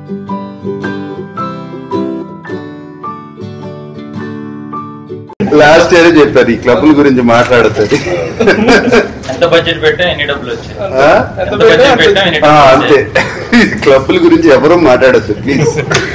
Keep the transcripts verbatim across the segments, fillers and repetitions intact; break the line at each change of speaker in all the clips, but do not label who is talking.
Last year చెప్పారు ఈ క్లబ్ల గురించి మాట్లాడుతుంది.
ఎంత బడ్జెట్ పెట్టా ఎన్ని డబ్బులు వచ్చాయి
అంతే. క్లబ్ల గురించి ఎవరూ మాట్లాడద్దు ప్లీజ్.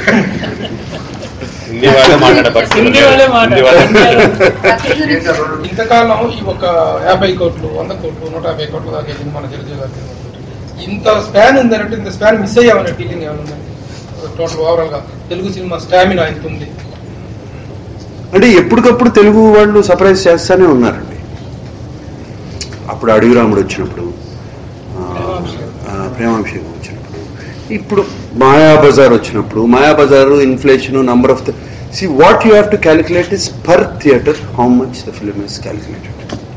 ఇంతకాలం ఈ ఒక యాభై కోట్లు వంద కోట్లు నూట యాభై కోట్ల దాకా వెళ్ళింది మన చిరంజీవి గారి. ఇంత స్పాన్ ఉందంటే ఇంత స్పాన్ మిస్ అయ్యామనే ఫీలింగ్ ఏమైనా ఉందండి టోటల్ ఓవరాల్ గా తెలుగు సినిమా స్టామినా ఎంత ఉంది?
అంటే ఎప్పటికప్పుడు తెలుగు వాళ్ళు సర్ప్రైజ్ చేస్తూనే ఉన్నారండి. అప్పుడు అడవి రాముడు వచ్చినప్పుడు, ప్రేమాభిషేకం వచ్చినప్పుడు, ఇప్పుడు మాయాబజార్ వచ్చినప్పుడు, Mayabazar inflation number of the C what you have to calculate is per theatre how much the film is calculated.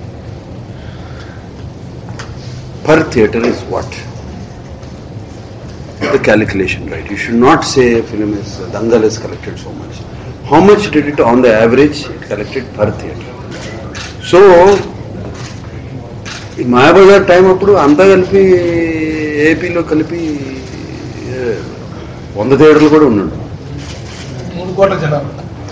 Per theatre is what? The calculation, right? You should not say a film is, uh, Dangal has collected so much. How much did it on the average? It collected per theatre. So, in Mayabazar time appudu anta kalpi A P lo kalpi వంద థియేటర్లు కూడా ఉన్నాడు.
మూడు కోట్ల జనాలు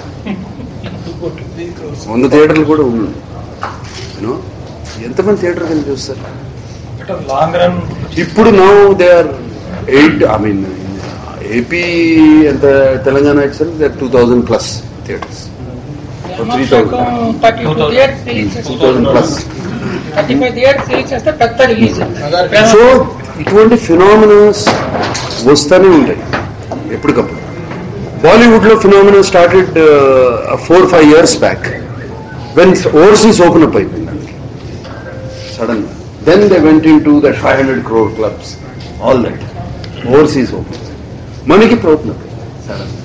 వంద థియేటర్లు కూడా ఉన్నాడు. యూనో ఎంతమంది థియేటర్ కలిపి చూస్తారు?
లాంగ్ రన్
ఇప్పుడు now they are eight I mean AP ఎంత Telangana it's they are two thousand plus theatres, three thousand two thousand plus. So ఇటువంటి ఫినామినాస్ వస్తూనే ఉంటాయి ఎప్పటికప్పుడు. బాలీవుడ్ లో phenomena started four five years back when overseas open up అయిపోయింది దానికి sudden గా. Then they went into that five hundred crore clubs, all that. Overseas open. Money ki problem.